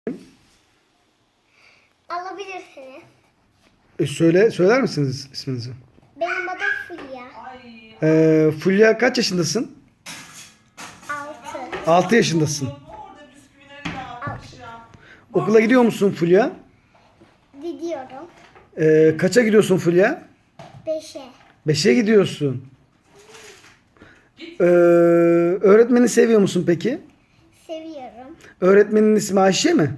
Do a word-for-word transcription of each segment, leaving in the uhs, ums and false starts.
Alabilirsiniz. E söyle, söyler misiniz isminizi? Benim adım Fulya. Ee, Fulya kaç yaşındasın? Altı. altı yaşındasın. Okula gidiyor musun Fulya? Gidiyorum. Ee, kaça gidiyorsun Fulya? Beşe. beşe gidiyorsun. Ee, öğretmeni seviyor musun peki? Seviyorum. Öğretmenin ismi Ayşe mi?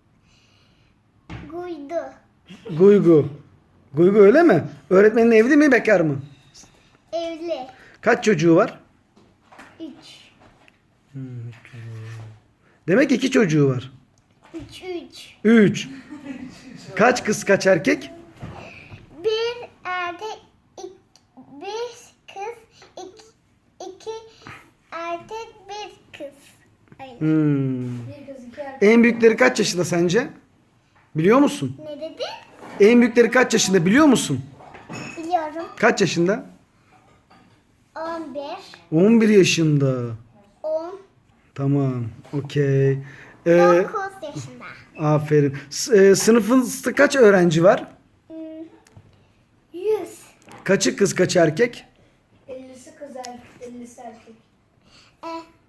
Guydu. Guygu. Guygu öyle mi? Öğretmenin evli mi bekar mı? Evli. Kaç çocuğu var? Üç. Demek iki çocuğu var. Üç üç. üç. Kaç kız kaç erkek? Bir erkek, ik, bir kız, ik, iki erkek, bir kız. Öyle. Hmm. Bir kız, iki erkek. En büyükleri kaç yaşında sence? Biliyor musun? Ne dedin? En büyükleri kaç yaşında biliyor musun? Biliyorum. Kaç yaşında? On bir. on bir yaşında. On. Tamam. Okey. Ee, Dokuz yaşında. aferin. S- e, sınıfınızda kaç öğrenci var? Hmm, Yüz. Kaçı kız kaç erkek? ellisi kız erkek, ellisi erkek. E,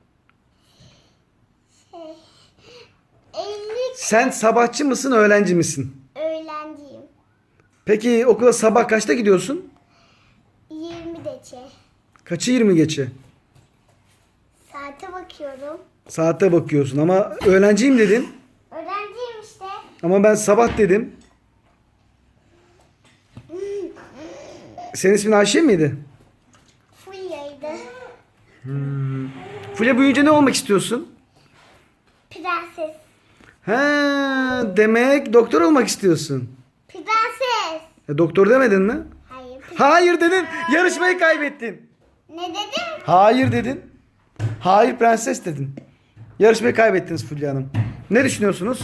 şey, elli Sen sabahçı mısın öğlenci misin? öğrenciyim. Peki okula sabah kaçta gidiyorsun? Yirmi dece. Kaçı yirmi geçe? Saate bakıyorum. Saate bakıyorsun ama öğlenciyim dedin. Öğrenciyim işte. Ama ben sabah dedim. Senin ismin Ayşe miydi? Fulya'ydı. Fulya büyüyünce ne olmak istiyorsun? Prenses. He, demek doktor olmak istiyorsun. Prenses. E, doktor demedin mi? Hayır. pre- Hayır dedin. Yarışmayı kaybettin. Ne dedim? Hayır dedin. Hayır prenses dedin. Yarışmayı kaybettiniz Fulya Hanım. Ne düşünüyorsunuz?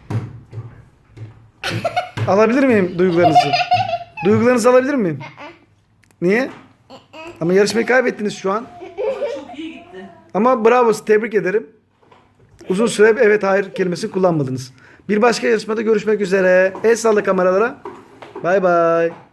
Alabilir miyim duygularınızı? Duygularınızı alabilir miyim? Niye? Ama yarışmayı kaybettiniz şu an. Çok iyi gitti. Ama bravo, tebrik ederim. Uzun süre evet hayır kelimesini kullanmadınız. Bir başka yarışmada görüşmek üzere. El salla kameralara. Bay bay.